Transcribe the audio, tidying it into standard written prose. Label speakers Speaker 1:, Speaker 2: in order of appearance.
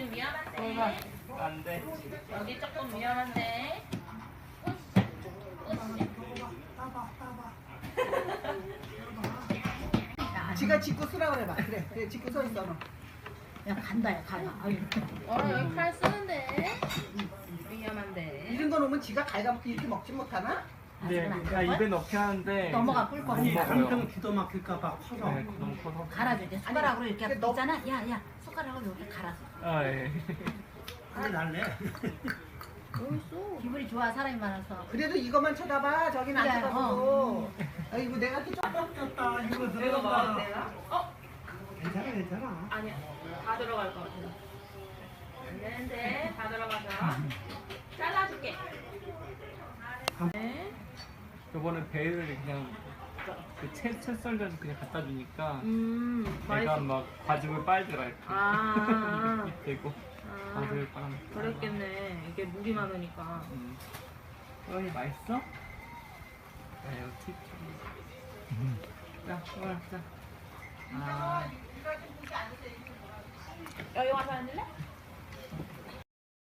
Speaker 1: 여기 위험한데.
Speaker 2: 안 돼.
Speaker 1: 여기 조금 위험한데.
Speaker 3: 지가 짓고 쓰라 그래 봐. 그래, 그래 짓고 서 있어 너.
Speaker 4: 야 간다 야 가봐. 아유.
Speaker 1: 여기 칼 쓰는데. 위험한데.
Speaker 3: 이런 거 놓으면 지가 갈가먹기 이렇게 먹지 못하나?
Speaker 2: 네, 그러니까 입에 넣긴 하는데
Speaker 4: 넘어가 꿀 거.
Speaker 2: 못 먹어요.
Speaker 5: 한평 기도 막힐까봐 커서.
Speaker 2: 네, 너무 커서.
Speaker 4: 갈아줄게. 숟가락으로 이렇게
Speaker 3: 근데 너-
Speaker 4: 있잖아. 야야 숟가락으로 이렇게 갈아서.
Speaker 2: 아 예.
Speaker 5: 그게 날래.
Speaker 4: 기분이 좋아 사람이 많아서.
Speaker 3: 그래도 이것만 쳐다봐. 저긴 안
Speaker 4: 그래,
Speaker 3: 쳐다보고. 아이고 내가 또 좀.
Speaker 5: 떴다 이거
Speaker 1: 이거
Speaker 5: 들어간다.
Speaker 1: 먹어도 되나?
Speaker 5: 괜찮아 괜찮아.
Speaker 1: 아니야. 다 들어갈 것 같아. 안 되는데. 다 들어가서. 잘라줄게. 네.
Speaker 2: 저번에 배를 그냥 그채 썰려서 그냥 갖다 주니까 애가
Speaker 1: 맛있어.
Speaker 2: 막 과즙을 빨더라 이렇게.
Speaker 1: 아.
Speaker 2: 되고
Speaker 1: 아.
Speaker 2: 과즙을 빨아.
Speaker 1: 그랬겠네. 이게 물이 많으니까.
Speaker 2: 어이 맛있어? 네, 이거 팁. 자, 자. 아.
Speaker 1: 여기 와서 앉을래?